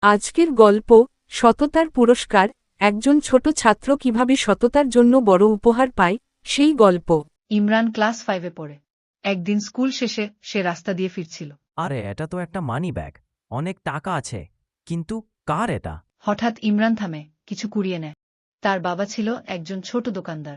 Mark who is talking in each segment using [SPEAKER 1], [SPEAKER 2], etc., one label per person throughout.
[SPEAKER 1] আজকের গল্প সততার পুরস্কার। একজন ছোট ছাত্র কিভাবে সততার জন্য বড় উপহার পায় সেই গল্প।
[SPEAKER 2] ইমরান ক্লাস 5-এ পড়ে। একদিন স্কুল শেষে সে রাস্তা দিয়ে ফিরছিল।
[SPEAKER 3] আরে এটা তো একটা মানি ব্যাগ, অনেক টাকা আছে, কিন্তু কার এটা?
[SPEAKER 2] হঠাৎ ইমরান থামে, কিছু কুড়িয়ে নেয়। তার বাবা ছিল একজন ছোট দোকানদার।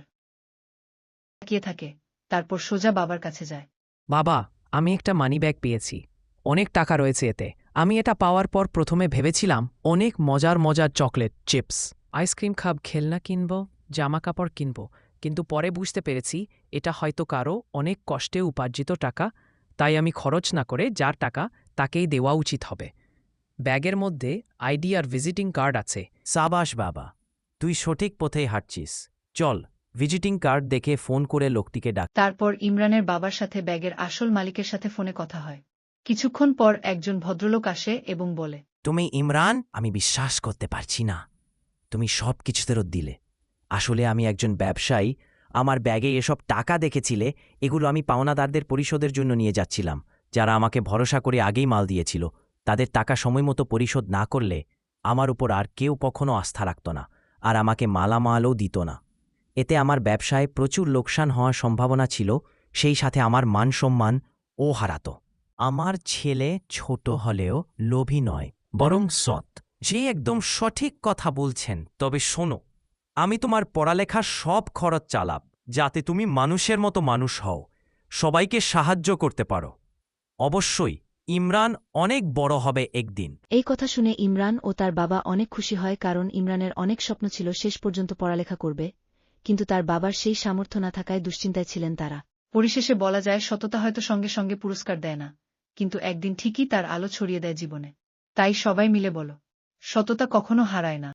[SPEAKER 2] তাকিয়ে থাকে, তারপর সোজা বাবার কাছে যায়।
[SPEAKER 4] বাবা, আমি একটা মানি ব্যাগ পেয়েছি, অনেক টাকা রয়েছে এতে। আমি এটা পাওয়ার পর প্রথমে ভেবেছিলাম অনেক মজার মজার চকলেট, চিপস, আইসক্রিম খাব, খেলনা কিনব, জামা কাপড় কিনব, কিন্তু পরে বুঝতে পেরেছি এটা হয়তো কারো অনেক কষ্টে উপার্জিত টাকা, তাই আমি খরচ না করে যার টাকা তাকেই দেওয়া উচিত হবে। ব্যাগের মধ্যে আইডি আর ভিজিটিং কার্ড আছে।
[SPEAKER 3] সাবাস বাবা, তুই সঠিক পথেই হাঁটছিস। চল, ভিজিটিং কার্ড দেখে ফোন করে লোকটিকে ডাক।
[SPEAKER 2] তারপর ইমরানের বাবার সাথে ব্যাগের আসল মালিকের সাথে ফোনে কথা হয়। কিছুক্ষণ পর একজন ভদ্রলোক আসে এবং বলে,
[SPEAKER 3] তুমি ইমরান? আমি বিশ্বাস করতে পারছি না, তুমি সব কিছু ফেরত দিলে। আসলে আমি একজন ব্যবসায়ী, আমার ব্যাগে এসব টাকা দেখেছিলে, এগুলো আমি পাওনাদারদের পরিশোধের জন্য নিয়ে যাচ্ছিলাম, যারা আমাকে ভরসা করে আগেই মাল দিয়েছিল। তাদের টাকা সময়মতো পরিশোধ না করলে আমার উপর আর কেউ কখনো আস্থা রাখত না, আর আমাকে মালামালও দিত না। এতে আমার ব্যবসায় প্রচুর লোকসান হওয়ার সম্ভাবনা ছিল, সেই সাথে আমার মান সম্মান ও হারাত। আমার ছেলে ছোট হলেও লোভী নয়, বরং সৎ। যে একদম সঠিক কথা বলছেন। তবে শোনো, আমি তোমার পড়ালেখার সব খরচ চালাব, যাতে তুমি মানুষের মতো মানুষ হও, সবাইকে সাহায্য করতে পারো। অবশ্যই ইমরান অনেক বড় হবে একদিন।
[SPEAKER 5] এই কথা শুনে ইমরান ও তার বাবা অনেক খুশি হয়, কারণ ইমরানের অনেক স্বপ্ন ছিল শেষ পর্যন্ত পড়ালেখা করবে, কিন্তু তার বাবার সেই সামর্থ্য না থাকায় দুশ্চিন্তায় ছিলেন তারা।
[SPEAKER 2] পরিশেষে বলা যায়, সততা হয়তো সঙ্গে সঙ্গে পুরস্কার দেয় না, কিন্তু একদিন ঠিকই তার আলো ছড়িয়ে দেয় জীবনে। তাই সবাই মিলে বলো, সততা কখনো হারায় না।